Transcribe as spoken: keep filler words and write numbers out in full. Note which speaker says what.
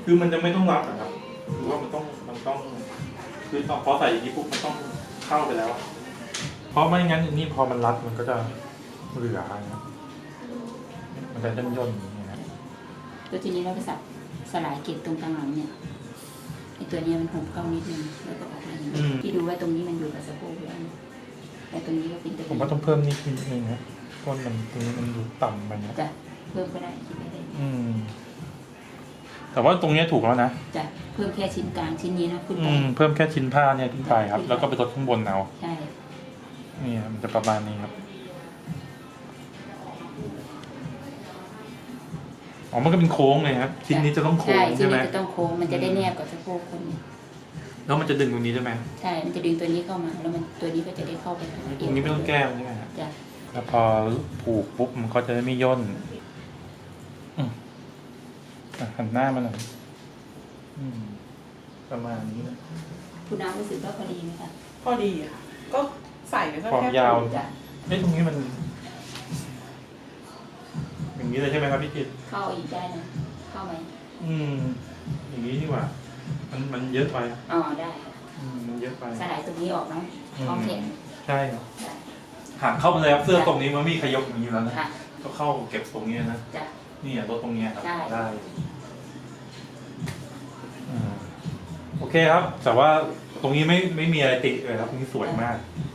Speaker 1: คือมันจะไม่ต้องรับนะครับหรือว่ามันต้องมันต้องคือพอใส่อย่างนี้ปุ๊บมันต้องเข้าไปแล้ว เพราะไม่งั้นนี่พอมันรัดมันก็จะเหลือนะมันจะย่นย่นอย่างเงี้ยนะ
Speaker 2: แล้วทีนี้เราไปสับสลายเกล็ดตรงกลางหลังเนี่ยไอตัวนี้มันหุบเข้านิดนึงแล้วก็ออกมาอย่างนี้ที่ดูว่าตรงนี้มันอยู่กับสะโพกแล้วแต่ตรงนี้ก็เป็นตัว
Speaker 1: ผมว่าต้องเพิ่มนิดนึงนะเพราะมันตรงนี้มันดูต่ำไปนะ
Speaker 2: จะเพิ่มก็ได้คิดไม่ได้
Speaker 1: อืมแต่ว่าตรงนี้ถูกแล้วนะ
Speaker 2: จะเพิ่มแค่ชิ้นกลางชิ้นนี้นะขึ้น
Speaker 1: อื
Speaker 2: ไป
Speaker 1: มเพิ่มแค่ชิ้นผ้าเนี่ยขึ้นไปครับ แล้วก็ไปลดข้างบนเอา
Speaker 2: ใช่
Speaker 1: นี่มันจะประมาณนี้ครับอ๋อมันก็เป็นโค้งเลยครับชิ้นนี้จะต้องโค้ง
Speaker 2: ใช่ชิ้
Speaker 1: ใช่
Speaker 2: น
Speaker 1: ไหม
Speaker 2: นี้จะต้องโค้งมันจะได้แนบกับสะโพกคน
Speaker 1: แล้วมันจะดึงตรงนี้ใช่ไหม
Speaker 2: ใช่มันจะดึงตัวนี้เข้ามาแล้วมันตัวนี้ก็จะได้เข้าไป
Speaker 1: ตรงนี้ไม่ต้องแก้มใช่ไหมครับ
Speaker 2: จ้ะ
Speaker 1: แล้วพอผูกปุ๊บมันก็จะไม่ย่นอืมอ่ะหันหน้ามาหน่อยอืมประมาณนี้นะ
Speaker 2: คุณน้ำรู้สึกว่าพอดีไหมคะ
Speaker 3: พอดีค่ะ ก็ใส่แล้วก็
Speaker 1: ความ
Speaker 3: แค่
Speaker 1: ยาว
Speaker 2: จ้ะ
Speaker 1: เอ้ตรงนี้มัน อย่างนี้เลยใช่ไหมครับพี่จิต
Speaker 2: เข้าอีกได้นะเข้าไหม
Speaker 1: อืม อย่างนี้ดีกว่า มันมันเยอะไป
Speaker 2: อ๋อได้ค่ะ
Speaker 1: อืมมันเยอะไป
Speaker 2: สลายตรงนี้ออกเนาะ
Speaker 1: อื
Speaker 2: ท้อง
Speaker 1: ม
Speaker 2: แขน
Speaker 1: ใช่ครับ
Speaker 2: จ้ะ
Speaker 1: หักเข้าไปเลยครับเสื้อตรงนี้มันไมมีขยกอย่างนี้แล้วนะ
Speaker 2: ค่ะ
Speaker 1: ก็เข้าเก็บตรงนี้นะ
Speaker 2: จ้ะ
Speaker 1: นี่อ่ะรถตรงเนี้ยครับ
Speaker 2: ได้
Speaker 1: ได้อืมโอเคครับ แต่ว่าตรงนี้ไม่ไม่มีอะไรติเลยครับตรงนี้สวยมาก
Speaker 2: จ